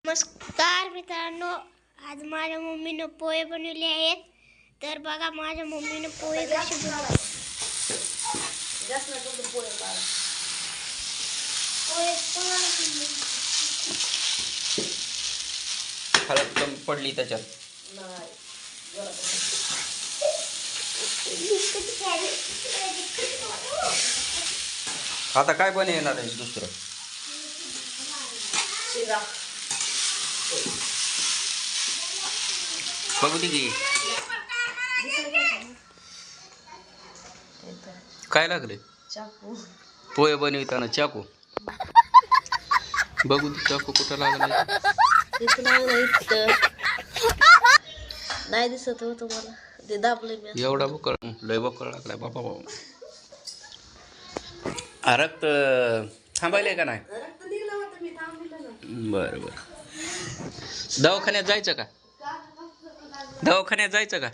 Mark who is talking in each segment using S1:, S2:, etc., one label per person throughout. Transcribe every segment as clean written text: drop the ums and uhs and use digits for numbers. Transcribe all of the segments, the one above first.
S1: नमस्कार मित्रांनो, आज माझ्या मम्मीने पोहे बनवले आहेत. तर बघा माझ्या मम्मीने पोहे कसे बनवले.
S2: हळद कमी पडली त्याच्यात. आता काय बनवणार आहे दुसरं? बघू दे की काय लागले.
S3: चाकू
S2: पोहे बनविताना चाकू. बघू दे चाकू कुठं लागला.
S3: नाही दिसत हो तुम्हाला, ते दाबले मी.
S2: एवढा बकळ लय बकळ लागलाय बाबा बाबा. रक्त थांबायलंय का नाही? बरं बरं. दवाखान्यात जायचं का? दवाखान्यात जायचं का?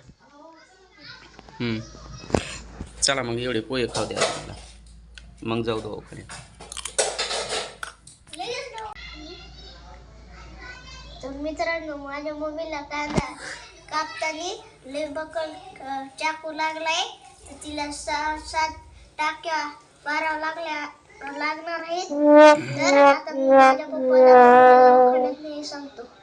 S2: चला मग एवढे पोहे खाऊ द्या आपल्याला, मग जाऊ दवाखान्यात.
S1: तर मित्रांनो, माझ्या मम्मीला कांदा कापताना लय बकल चाकू लागलाय. तर तिला 6-7 टाक्या मारावं लागणार आहेत. तर आता मी माझ्या पप्पाला दवाखान्यात नाही सांगतो.